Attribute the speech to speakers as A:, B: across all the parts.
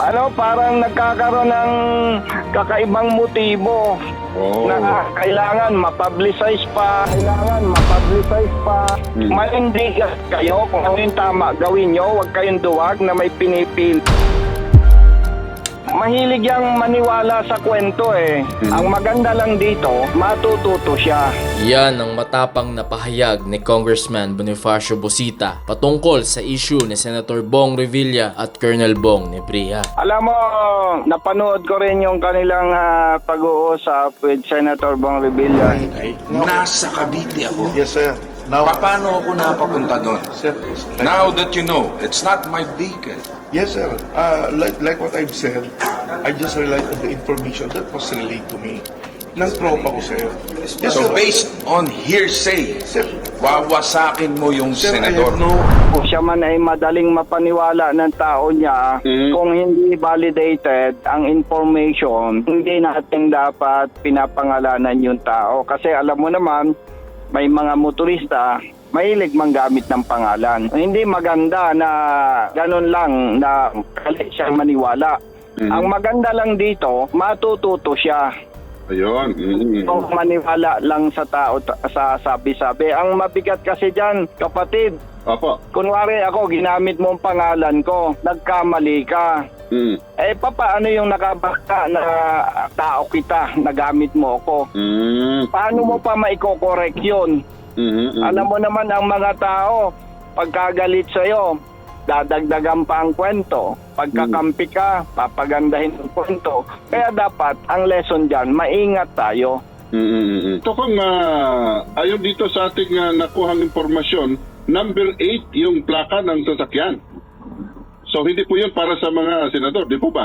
A: Parang nagkakaroon ng kakaibang motibo na kailangan mapublicize pa, Manindigan kayo kung ano yung tama gawin nyo, huwag kayong duwag na may pinipil. Mahilig yang maniwala sa kwento eh. Ang maganda lang dito, matututo siya.
B: Yan ang matapang na pahayag ni Congressman Bonifacio Busita patungkol sa issue ni Senator Bong Revilla at Colonel Bong Nebria.
A: Alam mo, napanood ko rin yung kanilang pag-uusap with Senator Bong Revilla.
C: Nasa Cavite ako.
D: Yes, sir. Now,
C: Paano ako napapunta doon?
D: sir,
C: Now that you know, it's not my vehicle.
D: yes, sir. Like what I've said, I just relied on the information that was relayed to me. Ng tropa ko, sir. Yes,
C: So
D: sir.
C: based on hearsay,
D: Sir,
C: wawasakin mo yung
D: sir, I
C: senador.
D: have no...
A: Kung siya man ay madaling mapaniwala ng tao niya, kung hindi validated ang information, hindi natin dapat pinapangalanan yung tao. Kasi alam mo naman, may mga motorista, mahilig manggamit ng pangalan. Hindi maganda na ganun lang na kali siyang maniwala. Ang maganda lang dito, matututo siya.
E: Ayun.
A: Kung maniwala lang sa tao sa sabi-sabi. Ang mabigat kasi dyan, kapatid,
E: Opo.
A: kunwari ako, ginamit mo ang pangalan ko, nagkamali ka. Paano yung nakabaka na tao kita, nagamit mo ako? Paano mo pa maiko-correct yun? Alam mo naman ang mga tao, pagkagalit sa'yo, dadagdagan pa ang kwento. Pagkakampi ka, papagandahin ang kwento. Kaya dapat, ang lesson dyan, maingat tayo.
E: Ito kung ayon dito sa ating nakuhang impormasyon, number 8 yung plaka ng sasakyan. So hindi po yun para sa mga senador, di po ba?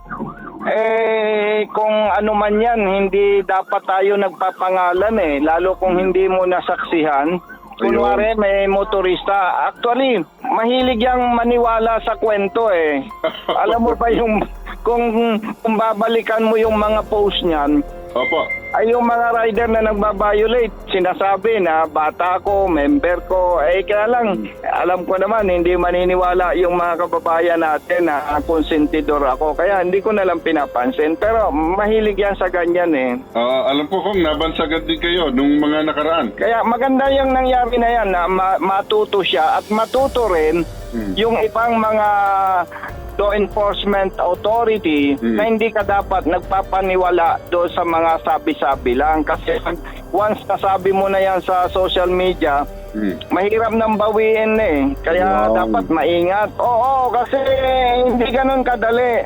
A: Kung ano man yan, hindi dapat tayo nagpapangalan lalo kung hindi mo nasaksihan. Kunwari may motorista, actually, mahilig yang maniwala sa kwento Alam mo ba yung, kung babalikan mo yung mga post niyan,
E: Opo.
A: ay yung mga rider na nagbabiolate, sinasabi na bata ko, member ko, kaya lang, alam ko naman, hindi maniniwala yung mga kababayan natin na konsentidor ako, kaya hindi ko nalang pinapansin, pero mahilig yan sa ganyan
E: Alam ko kung nabansagan din kayo nung mga nakaraan.
A: Kaya maganda yung nangyari na yan na matuto siya at matuto rin yung ibang mga law enforcement authority na hindi ka dapat nagpapaniwala doon sa mga sabi-sabi lang. Kasi once nasabi mo na yan sa social media, mahirap nang bawiin Kaya dapat maingat. Oo, kasi hindi ganun kadali.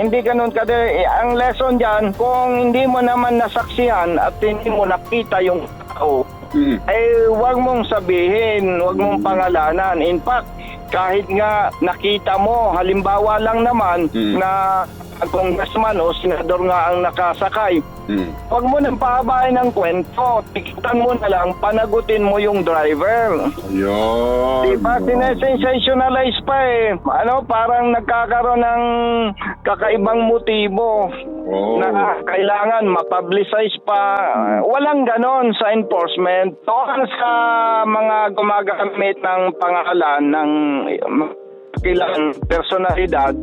A: Ang lesson dyan, kung hindi mo naman nasaksihan at hindi mo nakita yung tao, wag mong sabihin, wag mong pangalanan. In fact, kahit nga nakita mo, halimbawa lang naman na congressman o senador nga ang nakasakay, wag mo nang pahabain ng kwento. Tikitan mo na lang, panagutin mo yung driver.
E: Ayun.
A: Diba? Sinesensationalize pa parang nagkakaroon ng kakaibang motibo na kailangan mapublicize pa. Walang ganon sa enforcement. Tokan sa mga gumagamit ng pangalan ng kilang personalidad,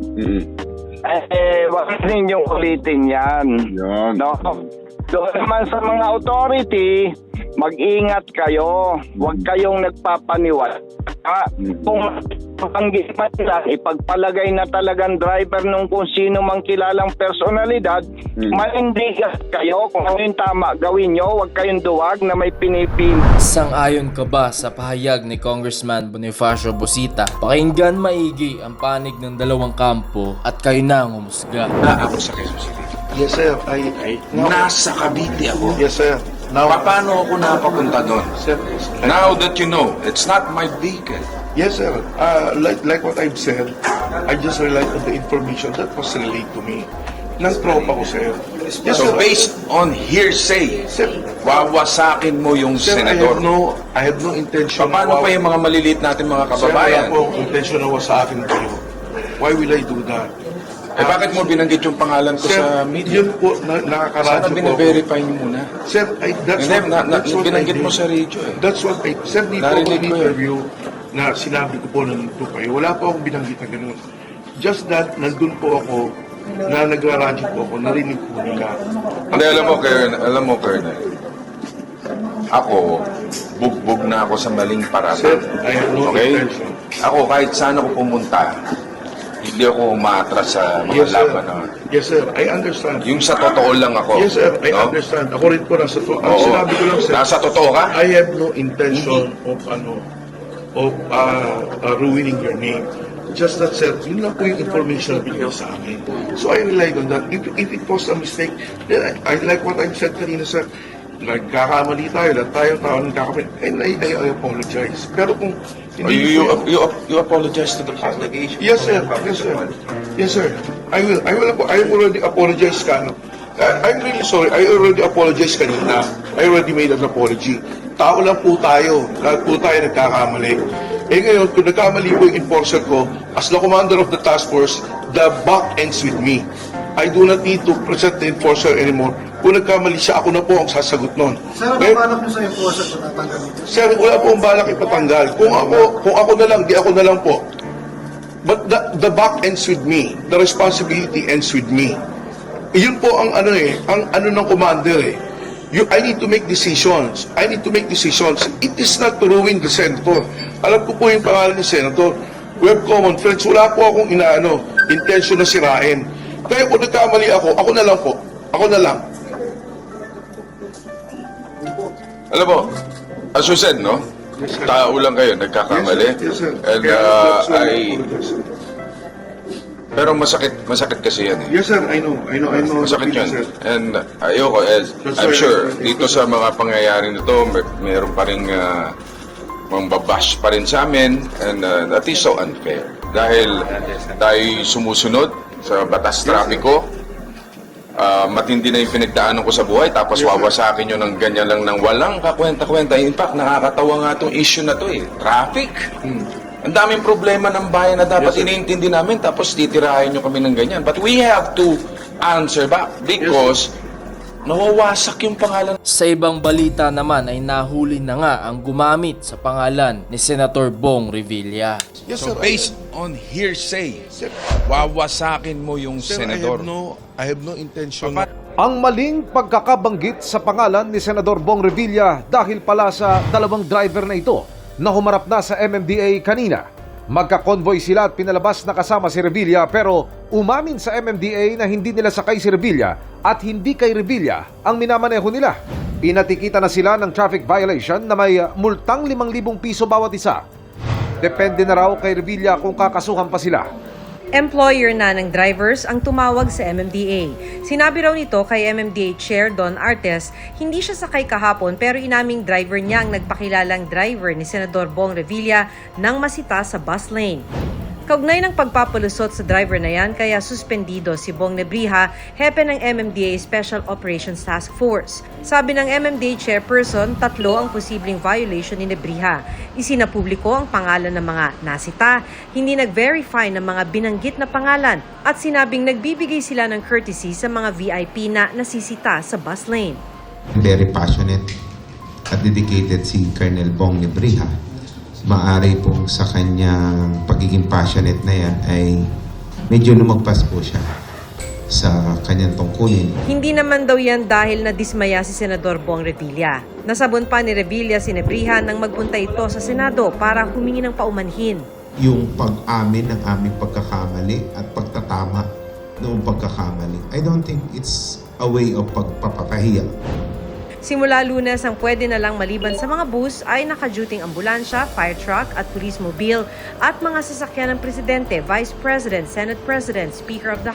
A: wag ninyong ulitin yan.
E: Yan.
A: No? Doon naman sa mga authority, mag-ingat kayo. Huwag kayong nagpapaniwala. Kung ang ginawa nila, ipagpalagay na talagang driver nung kung sino mang kilalang personalidad, manindigan kayo kung ano yung tama gawin nyo. Huwag kayong duwag na may pinipili.
B: Sang-ayon ka ba sa pahayag ni Congressman Bonifacio Busita? Pakinggan maigi ang panig ng dalawang kampo at kayo na ang umusga.
C: Ako sa Quezon City.
D: Yes, sir.
C: Nasa Cavite ako.
D: Yes, sir. Now,
C: Paano ako napapunta doon?
D: sir,
C: Now that you know, it's not my vehicle.
D: yes, sir. Like what I've said, I just relied on the information that was relayed to me. Ng tropa ko, sir. Yes,
C: So
D: sir.
C: based on hearsay,
D: Sir,
C: wawasakin mo yung
D: sir,
C: senador.
D: I have no intention.
C: Paano pa yung mga maliliit natin mga
D: Sir, wala
C: kababayan?
D: po intention na sa akin kayo. Why will I do that?
C: Bakit mo binanggit yung pangalan ko
D: Sir,
C: sa media?
D: yun po,
C: Sana
D: nakakaradyo po.
C: bine-verify niyo muna.
D: Sir, that's
C: Hindi,
D: that's what
C: binanggit
D: I
C: mo
D: did.
C: sa radio
D: That's what I... Sir, dito ako
C: Narinig ko yun.
D: in-interview na sinabi ko po nandito kayo. Wala po akong binanggit na ganun. Just that, nandun po ako, na nagraradyo po ako, narinig po nila.
C: Hindi, alam mo, Colonel. Ako, bugbog na ako sa maling
D: Sir,
C: paratan.
D: I have no
C: Okay?
D: intention.
C: Ako, kahit saan ako pumunta, hindi ako umaatras sa mga
D: Yes, sir.
C: laban na.
D: Yes, sir. I understand.
C: Yung sa totoo lang ako.
D: Yes, sir. I
C: no?
D: understand. Ako rin po nasa to. Ang
C: Oo.
D: sinabi ko lang, sir,
C: Nasa totoo ka?
D: I have no intention of ruining your name. Just that, sir, yun lang po yung information na binigay sa akin. So I relied on that. If it was a mistake, then I like what I've said kanina, sir. Nagkakamali tayo, lahat tayo tao nagkakamali. And I apologize. Pero kung hindi po-
C: You apologize to the public.
D: Yes, sir. Yes, sir. Yes, sir. I will. I already apologize ka. I'm really sorry. I already apologized kanina. I already made an apology. Tao lang po tayo. Lahat po tayo nagkakamali. Eh ngayon, kung nagkamali po yung enforcer ko, as the commander of the task force, the buck ends with me. I do not need to present the enforcer anymore. Kung nagkamali siya, ako na po ang sasagot nun.
F: Sir, ang balak mo sa enforcer kung tatanggal dito?
D: Sir, wala po ang balak ipatanggal. Kung ako na lang, di ako na lang po. But the buck ends with me. The responsibility ends with me. Yun po ang ang ng commander eh. I need to make decisions. I need to make decisions. It is not to ruin the senator. Alam ko po yung pangalan ni senator. We have common friends. Wala po akong intention na sirain. Kaya kung nagkamali ako na lang po. Ako na lang.
C: Alam mo, as you said, no? Tao lang kayo, nagkakamali.
D: Yes, sir.
C: And
D: Kaya, that's why I apologize.
C: pero masakit kasi yan eh.
D: Yes, sir. I know.
C: Masakit yun.
D: Sir.
C: And ayoko,
D: That's
C: I'm
D: why
C: sure,
D: I-
C: dito sa mga pangyayari nito, mayroon pa rin mambabash pa rin sa amin, and that is so unfair. Dahil tayo sumusunod sa batas trapiko, matindi na yung pinagdaanan ko sa buhay, tapos wawasakin nyo ng ganyan lang ng walang kakwenta-kwenta. In fact, nakakatawa nga itong issue na to eh. Traffic. Ang daming problema ng bayan na dapat iniintindi namin, tapos titirahin nyo kami ng ganyan. But we have to answer back because nawawasak yung pangalan.
B: Sa ibang balita naman ay nahuli na nga ang gumamit sa pangalan ni Senator Bong Revilla.
D: Yes,
C: So
D: sir.
C: based on hearsay,
D: Sir,
C: wawasakin mo yung
D: sir,
C: senador.
D: I have no intention.
G: Ang maling pagkakabanggit sa pangalan ni Senador Bong Revilla dahil pala sa dalawang driver na ito na humarap na sa MMDA kanina. Magka-convoy sila at pinalabas na kasama si Revilla pero umamin sa MMDA na hindi nila sakay si Revilla at hindi kay Revilla ang minamaneho nila. Pinatikita na sila ng traffic violation na may multang 5,000 piso bawat isa. Depende na raw kay Revilla kung kakasuhan pa sila.
H: Employer na ng drivers ang tumawag sa MMDA. Sinabi raw nito kay MMDA Chair Don Artes, hindi siya sakay kahapon pero inaming driver niya ang nagpakilalang driver ni Senador Bong Revilla nang masita sa bus lane. Kaugnay ng pagpapalusot sa driver na yan kaya suspendido si Bong Nebrija, hepe ng MMDA Special Operations Task Force. Sabi ng MMDA Chairperson, 3 ang posibleng violation ni Nebrija. Isinapubliko ang pangalan ng mga nasita, hindi nag-verify ng mga binanggit na pangalan at sinabing nagbibigay sila ng courtesy sa mga VIP na nasisita sa bus lane.
I: Very passionate at dedicated si Colonel Bong Nebrija. Maari pong sa kanyang pagiging passionate na yan ay medyo lumagpas po siya sa kanyang tungkulin.
H: Hindi naman daw yan dahil nadismaya si Senador Bong Revilla. Nasabon pa ni Revilla si Nebrija nang magpunta ito sa Senado para humingi ng paumanhin.
I: Yung pag-amin ng aming pagkakamali at pagtatama noong pagkakamali, I don't think it's a way of pagpapahiya.
H: Simula Lunes ang pwede na lang maliban sa mga bus ay nakaduting ambulansya, fire truck at police mobile at mga sasakyan ng Presidente, Vice President, Senate President, Speaker of the